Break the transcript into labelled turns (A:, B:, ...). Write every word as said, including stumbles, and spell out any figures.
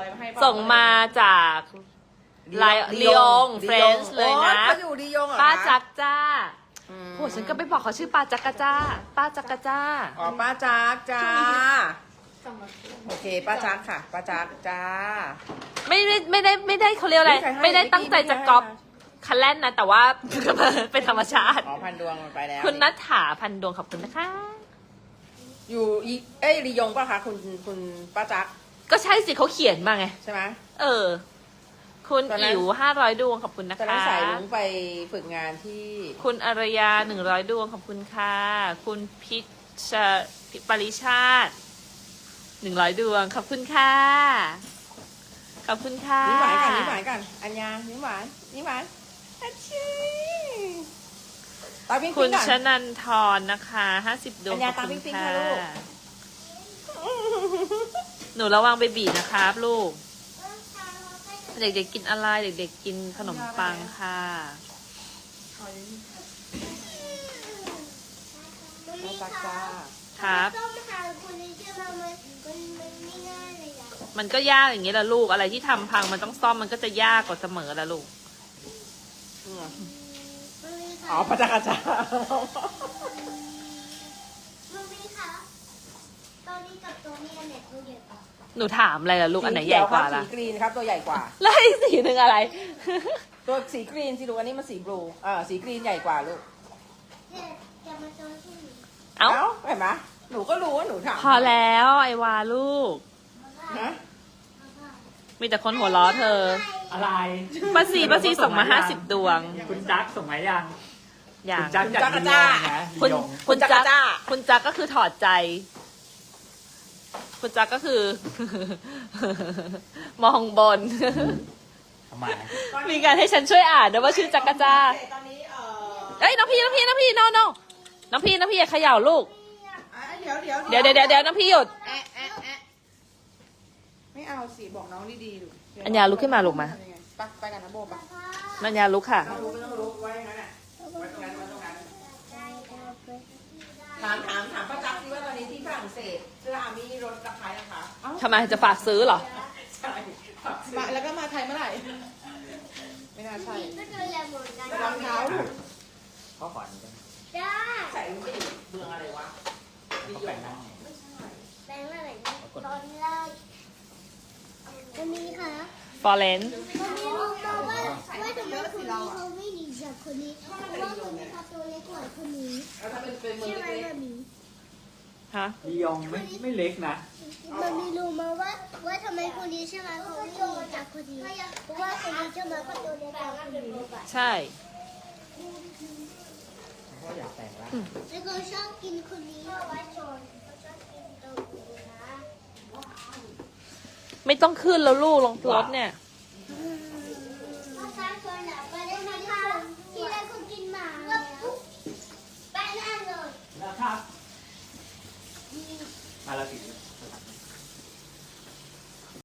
A: มาให้
B: ส่งมาจากไลลียงเฟรนช์เลยนะ
A: เขาอยู่ลียงเหรอ
B: ป้า
A: คะ
B: จักจ้า
A: อืม
B: โหฉันก็ไปบอกเขาชื่อป้าจักกะจ้า ป้าจักกะจ้า
A: อ๋อป้าจักจ้าโอเคป้าจักค่ะป้าจักจ้า
B: ไม่ได้ไม่ได้ไม่ได้เขาเรียกอะไร
A: ไม่ใครให้
B: ไม่ได้ตั้งใจจะก๊อป
A: ไม่ใครให้
B: คันแล่นนะแต่ว่า เป็นธรรมชาติ
A: อ๋อพันดวงมันไปแล้ว
B: คุณนัทถาพันดวงขอบคุณนะคะ
A: อยู่อีเอ้ยลียงป่ะคะคุณคุณป้าจัก
B: ก็ใช่สิเขาเขียนมาไง
A: ใช่ไหม
B: เออ คุณ
A: ตอนนั้น
B: อิ๋วห้าร้อยดวงขอบคุณนะ
A: ตอนนั้น
B: คะ
A: สายลุงไปฝึกงานที่
B: คุณอารยาหนึ่งร้อยดวงขอบคุณค่ะ คุณพิชพิปริชาติหนึ่งร้อยดวงขอบคุณค่ะ ขอบคุณค่ะ
A: นิ้มหวานกันนิ้มหวานกันอัญญานิ้มหวานนิ้มหวานอาชีตาปิ้ง
B: คุ
A: ปิ้
B: ณ
A: งก่อน
B: ชนันทรนะคะห้าสิบดวง
A: อัญญา
B: ขอบคุณ
A: ตามปิ๊งปิ๊ง
B: ค่ะ
A: ค่ะลูก
B: หนูระวังเบบีนะครับลูก เด็กๆกินอะไร เด็กๆกินขนมปังค่ะ
A: ป้าจักจ้า
B: ครับ
C: ต้องหาคนนี้ใช่ไหมมันมันมันไม่ง่ายเลยอะ
B: มันก็ยากอย่างนี้แหละลูก อะไรที่ทำพังมันต้องซ่อมมันก็จะยากกว่าเสมอละลูก
A: อืม
C: มันมี
A: อ๋อ
C: ค่ะ
A: ป้าจักจ้า
C: มันมีค่ะตอนนี้กับตัวนี้อันไหนตัวใหญ่กว่า
B: หนูถามอะไรล่ะลูก อันไหนใหญ่กว่าล่ะ
A: สีกรีนครับตัวใหญ่กว่า
B: แล้วอีกสีหนึ่งอะไร
A: ตัวสีกรีนสิลูกอันนี้มันสีบลูเออสีกรีนใหญ่กว่าลูก
C: เนี่ยจะมาโจนที่หนู
B: เอ้า
A: เห็นไหมหนูก็รู้ว่าหนูถาม
B: พอแล้วไอวาลูก
A: ฮะ
B: มีแต่คนหัวล้อเธอ
D: อะไร
B: ป้าซีป้าซีส่งมาห้าสิบดวง
D: คุณจักส่งมายัง
B: อย่า
D: คุ
B: ง
D: ณจักจากลียงนะ
B: คุณ
D: ลียง
B: คุณจักรคุณจักรก็คือถอดใจ คุณจักรก็คือ มองบน
D: ทำไม
B: มีการให้ฉันช่วยอ่านด้วยว่าชื่อจักรจ้า
A: ตอนนี้เออ
B: เอ้ยน้องพี่น้องพี่น้องพี่น้องน้องน้องพี่น้องพี่อย่าเขย่าลูก
A: อ่ะเดี๋ยวเดี๋ยว
B: เดี๋ยวเดี๋ยวเดี๋ยวน้องพี่หยุด
A: แอะแอะแอะไม่เอาสิบอกน้องดีๆลูก
B: อัญญาลุกขึ้นมาลูกมา
A: ไปไปกันนะโบไป
B: นัญญาลุกค่ะ
A: ต้องรู้ไม่ต้องรู้ไว้อย่างนั้นแหละไว้ตรงนั้นไว้ตรงนั้นถามถามถามป้าจักสิว่าตอนนี้ที่ฝรั่งเศสเสื้ออาร์มี่ลดราคายังคะ
B: ทำไมจะฝากซื้อเหรอ
A: ใช่มาแล้วก็มาไทยเมื่อไหร่ ไม่น่าใช่
C: ก็ตัวใหญ่เหมือนกัน
A: รองเท้าลูก
D: เขาขอนี้กัน
C: จ้า
A: ใส่ไม่ได้เบืองอะไรวะดี
D: เขา
A: โย
D: แบ่ง
A: ง
D: นั่ง
C: แบงค์อะไรเนี่ยตอนแรกมันมีค่ะ
B: ฟอเรน
C: มันมีรู้มาว่าว่าทำไมคนนี้เขาไม่ดีจากคนนี้เพราะว่าคนนี้เขาตัวเล็กกว่าคนนี้
A: แล้วถ้าเป็นเป็นเมือง
C: ใช่ไหม
A: เล็ก
C: แบบนี้
B: ฮะ
D: ลียงไม่ไม่เล็กนะ
C: มันมีรู้มาว่าว่าทำไมคนนี้ใช่ไหมเขาไม่ดีจากคนนี้เพราะว่าคนนี้ใช่ไหมเขาตัวเล็กกว่าคนนี้
B: ใช่
D: เขาอยากแต่งละ
C: แล้วก็ชอบกินคนนี้ไว้ชนเขาชอบกินตัวนี้นะ
B: ไม่ต้องขึ้นแล้วลูกลงรถเนี่ย
C: ถ้าใช้คนหลับไปได้ไหมคะที่แรกคนกินหมาแล้วไปนั่งเลย
D: นะครับมาละสิ